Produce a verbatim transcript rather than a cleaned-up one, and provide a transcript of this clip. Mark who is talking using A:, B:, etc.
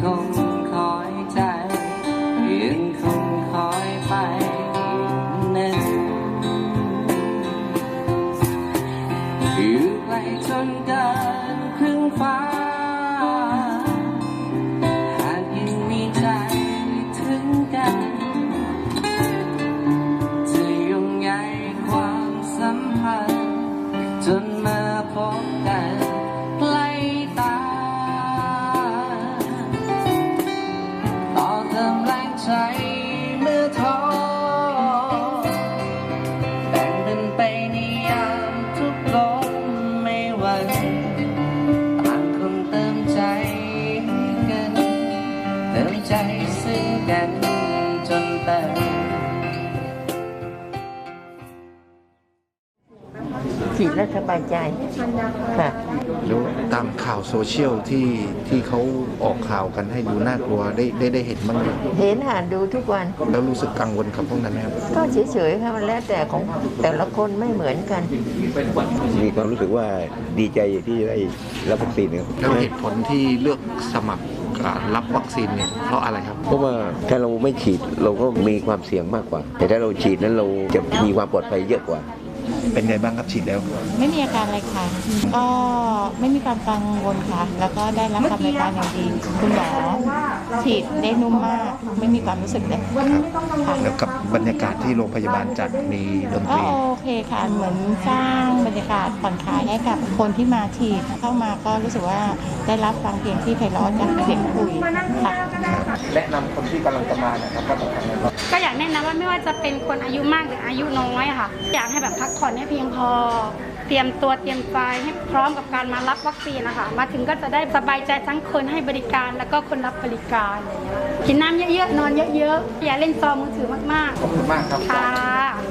A: คงคอยใจยังคงคอยไปหนึ่งอยู่ไกลจนเกินครึ่งฟ้าหากยังมีใจถึงกันจะยุ่งใยความสัมพันธ์จนมาพบกันใกล้ตาต่อเติมแรงใจเมื่อท้อแบ่งเป็นไปในยามทุกลมไม่หวั่นต่างคนเติมใจกันเติมใจซึ่งกันจนเติม
B: ฉีดแล้วสบายใจค่ะ
C: แล้วตามข่าวโซเชียลที่ที่เขาออกข่าวกันให้ดูน่ากลัวได้ได้ได้เห็นบ้างไหม
B: เห็นค่ะดูทุกวัน
C: แล้วรู้สึกกังวลกับพวกนั้นไหมครับ
B: ก็เฉยๆค่ะมันแล้วแต่ของแต่ละคนไม่เหมือนกัน
D: มีความรู้สึกว่าดีใจที่ได้รับวัคซีนครับ
C: แล้วเหตุผลที่เลือกสมัครรับวัคซีนเนี่ยเพราะอะไรครับ
D: เพราะว่าถ้าเราไม่ฉีดเราก็มีความเสี่ยงมากกว่าแต่ถ้าเราฉีดนั้นเราจะมีความปลอดภัยเยอะกว่า
C: เป็นไงบ้างครับฉีดแล้ว
E: ไม่มีอาการอะไรค่ะก็ไม่มีความกังวลค่ะแล้วก็ได้รับคำบริการอย่างดีคุณหมอฉีดได้นุ่มมากไม่มีความรู้สึกเลย
C: ค่ะแล้วกับบรรยากาศที่โรงพยาบาลจัดมีดนตรี
E: โอเคค่ะเหมือนสร้างบรรยากาศผ่อนคลายให้กับคนที่มาฉีดเข้ามาก็รู้สึกว่าได้รับฟังเพลงที่ไพเราะจากเสียงคุยค่ะ
C: แนะนำคนที่กำลังจะมานะครับว่าต้องทำยังไง
F: ก็อยากแนะนำว่าไม่ว่าจะเป็นคนอายุมากหรืออายุน้อยค่ะอยากให้แบบพักผ่อนให้เพียงพอเตรียมตัวเตรียมใจให้พร้อมกับการมารับวัคซีนนะคะมาถึงก็จะได้สบายใจทั้งคนให้บริการแล้วก็คนรับบริการอะไรอย่างเงี้ยกินน้ำเยอะๆนอนเยอะๆอย่าเล่นจอมือถือมากๆ
C: ขอบคุณมากครับ
F: ค่ะ